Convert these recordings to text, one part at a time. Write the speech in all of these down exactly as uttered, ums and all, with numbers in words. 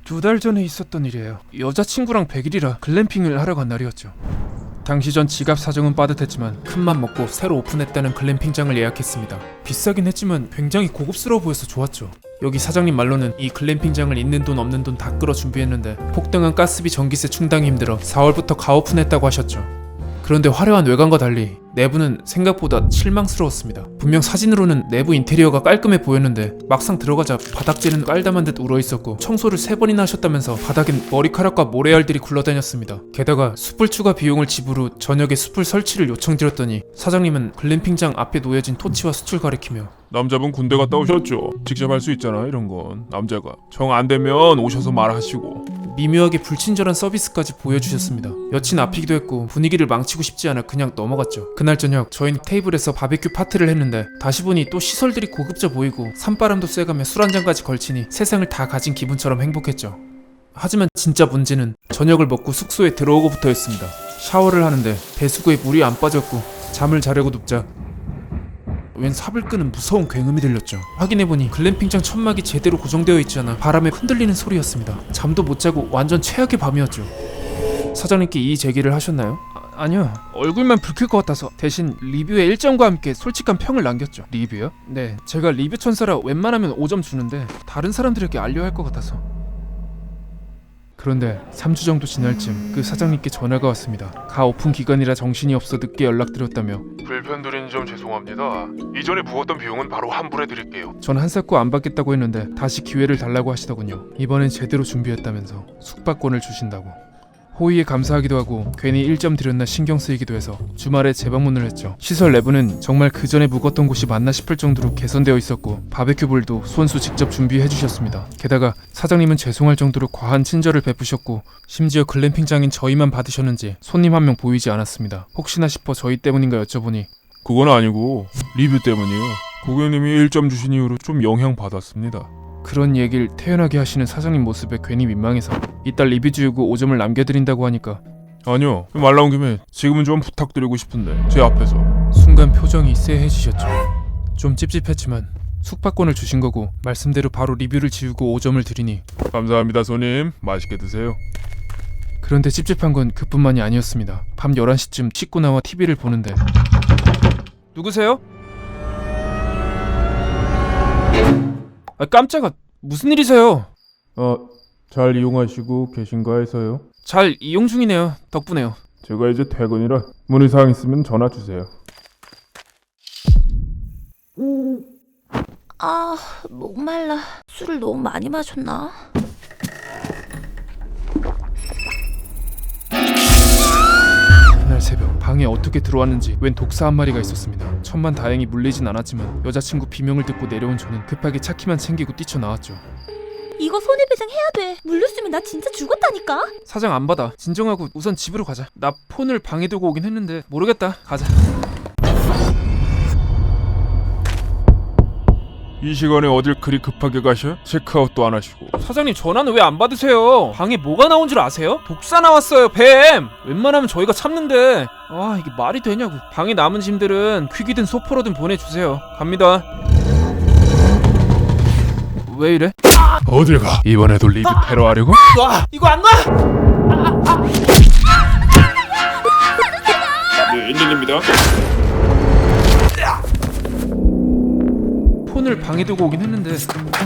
두 달 전에 있었던 일이에요. 여자친구랑 백 일이라 글램핑을 하러 간 날이었죠. 당시 전 지갑 사정은 빠듯했지만 큰맘 먹고 새로 오픈했다는 글램핑장을 예약했습니다. 비싸긴 했지만 굉장히 고급스러워 보여서 좋았죠. 여기 사장님 말로는 이 글램핑장을 있는 돈 없는 돈 다 끌어 준비했는데 폭등한 가스비 전기세 충당이 힘들어 사월부터 가오픈했다고 하셨죠. 그런데 화려한 외관과 달리 내부는 생각보다 실망스러웠습니다. 분명 사진으로는 내부 인테리어가 깔끔해 보였는데 막상 들어가자 바닥재는 깔다만 듯 울어있었고 청소를 세 번이나 하셨다면서 바닥엔 머리카락과 모래알들이 굴러다녔습니다. 게다가 숯불 추가 비용을 지불 후 저녁에 숯불 설치를 요청드렸더니 사장님은 글램핑장 앞에 놓여진 토치와 숯을 가리키며 남자분 군대 갔다 오셨죠? 직접 할 수 있잖아 이런 건. 남자가 정 안 되면 오셔서 말하시고. 미묘하게 불친절한 서비스까지 보여주셨습니다. 여친 앞이기도 했고 분위기를 망치고 싶지 않아 그냥 넘어갔죠. 그날 저녁 저희는 테이블에서 바베큐 파티를 했는데 다시 보니 또 시설들이 고급져 보이고 산바람도 쐬가며 술 한잔까지 걸치니 세상을 다 가진 기분처럼 행복했죠. 하지만 진짜 문제는 저녁을 먹고 숙소에 들어오고부터였습니다. 샤워를 하는데 배수구에 물이 안 빠졌고 잠을 자려고 눕자 웬 삽을 끄는 무서운 굉음이 들렸죠. 확인해보니 글램핑장 천막이 제대로 고정되어 있지 않아 바람에 흔들리는 소리였습니다. 잠도 못 자고 완전 최악의 밤이었죠. 사장님께 이의 제기를 하셨나요? 아, 아니요. 얼굴만 붉힐 것 같아서 대신 리뷰의 일 점과 함께 솔직한 평을 남겼죠. 리뷰요? 네. 제가 리뷰 천사라 웬만하면 오 점 주는데 다른 사람들에게 알려야 할 것 같아서. 그런데 삼 주 정도 지날 쯤 그 사장님께 전화가 왔습니다. 가 오픈 기간이라 정신이 없어 늦게 연락드렸다며 불편드린 점 죄송합니다. 이전에 부었던 비용은 바로 환불해드릴게요. 전 한사코 안 받겠다고 했는데 다시 기회를 달라고 하시더군요. 이번엔 제대로 준비했다면서 숙박권을 주신다고. 호의에 감사하기도 하고 괜히 일 점 드렸나 신경 쓰이기도 해서 주말에 재방문을 했죠. 시설 내부는 정말 그 전에 묵었던 곳이 맞나 싶을 정도로 개선되어 있었고 바베큐볼도 손수 직접 준비해 주셨습니다. 게다가 사장님은 죄송할 정도로 과한 친절을 베푸셨고 심지어 글램핑장인 저희만 받으셨는지 손님 한 명 보이지 않았습니다. 혹시나 싶어 저희 때문인가 여쭤보니 그건 아니고 리뷰 때문이에요. 고객님이 일 점 주신 이후로 좀 영향 받았습니다. 그런 얘기를 태연하게 하시는 사장님 모습에 괜히 민망해서 이따 리뷰 지우고 오 점을 남겨드린다고 하니까 아니요. 말 나온 김에 지금은 좀 부탁드리고 싶은데 제 앞에서. 순간 표정이 쎄해지셨죠. 좀 찝찝했지만 숙박권을 주신 거고 말씀대로 바로 리뷰를 지우고 오 점을 드리니 감사합니다 손님. 맛있게 드세요. 그런데 찝찝한 건 그뿐만이 아니었습니다. 밤 열한 시쯤 씻고 나와 티비를 보는데 누구세요? 아 깜짝아 무슨 일이세요? 어, 잘 이용하시고 계신가 해서요. 잘 이용 중이네요. 덕분에요. 제가 이제 퇴근이라 문의사항 있으면 전화 주세요. 아, 목말라. 술을 너무 많이 마셨나? 그날 새벽 방에 어떻게 들어왔는지 웬 독사 한 마리가 있었습니다. 천만 다행히 물리진 않았지만 여자친구 비명을 듣고 내려온 저는 급하게 차키만 챙기고 뛰쳐나왔죠. 이거 손해배상 해야 돼. 물렸으면 나 진짜 죽었다니까. 사장 안 받아. 진정하고 우선 집으로 가자. 나 폰을 방에 두고 오긴 했는데 모르겠다. 가자. 이 시간에 어딜 그리 급하게 가셔? 체크아웃도 안 하시고. 사장님 전화는 왜 안 받으세요? 방에 뭐가 나온 줄 아세요? 독사 나왔어요. 뱀! 웬만하면 저희가 참는데 아 이게 말이 되냐고. 방에 남은 짐들은 퀵이든 소포로든 보내주세요. 갑니다. 왜 이래? 어딜 가? 이번에도 리뷰 테러 하려고? 놔! 이거 안 놔! 네, 인진입니다. 폰을 방에 두고 오긴 했는데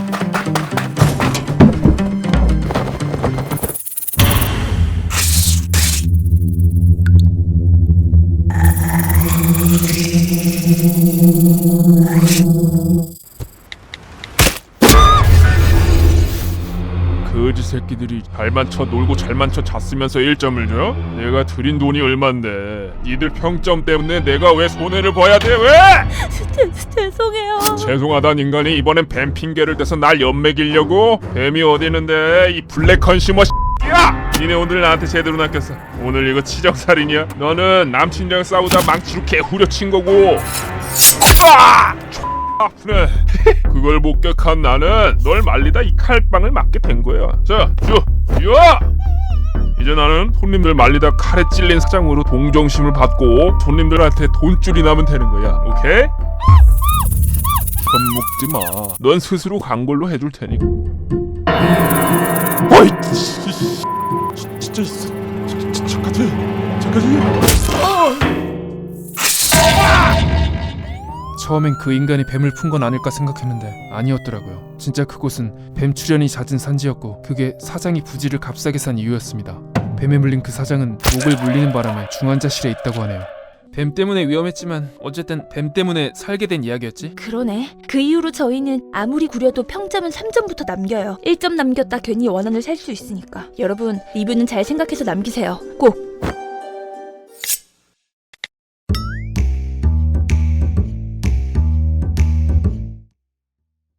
거지 새끼들이 잘만 쳐 놀고 잘만 쳐 잤으면서 일 점을 줘? 내가 드린 돈이 얼만데 니들 평점 때문에 내가 왜 손해를 봐야 돼? 왜? 제, 죄송해요. 죄송하단 인간이 이번엔 뱀 핑계를 대서 날 연맥이려고? 뱀이 어디 있는데 이 블랙 컨슈머 야! 니네 오늘 나한테 제대로 낚였어. 오늘 이거 치정살인이야? 너는 남친이랑 싸우다 망치로 개 후려친 거고 아! 아프네. 그걸 목격한 나는 널 말리다 이 칼빵을 맞게 된 거야. 자, 주, 야! 이제 나는 손님들 말리다 칼에 찔린 사장으로 동정심을 받고 손님들한테 돈줄이 나면 되는 거야. 오케이? 겁먹지 마. 넌 스스로 간 걸로 해줄 테니. 어? 어이 씨, 씨, 진- 진짜 있어. 저- 저- 저까지 저까지. 처음엔 그 인간이 뱀을 푼 건 아닐까 생각했는데 아니었더라고요. 진짜 그곳은 뱀 출연이 잦은 산지였고 그게 사장이 부지를 값싸게 산 이유였습니다. 뱀에 물린 그 사장은 목을 물리는 바람에 중환자실에 있다고 하네요. 뱀 때문에 위험했지만 어쨌든 뱀 때문에 살게 된 이야기였지? 그러네. 그 이후로 저희는 아무리 구려도 평점은 삼 점부터 남겨요. 일 점 남겼다 괜히 원한을 살 수 있으니까. 여러분 리뷰는 잘 생각해서 남기세요. 꼭!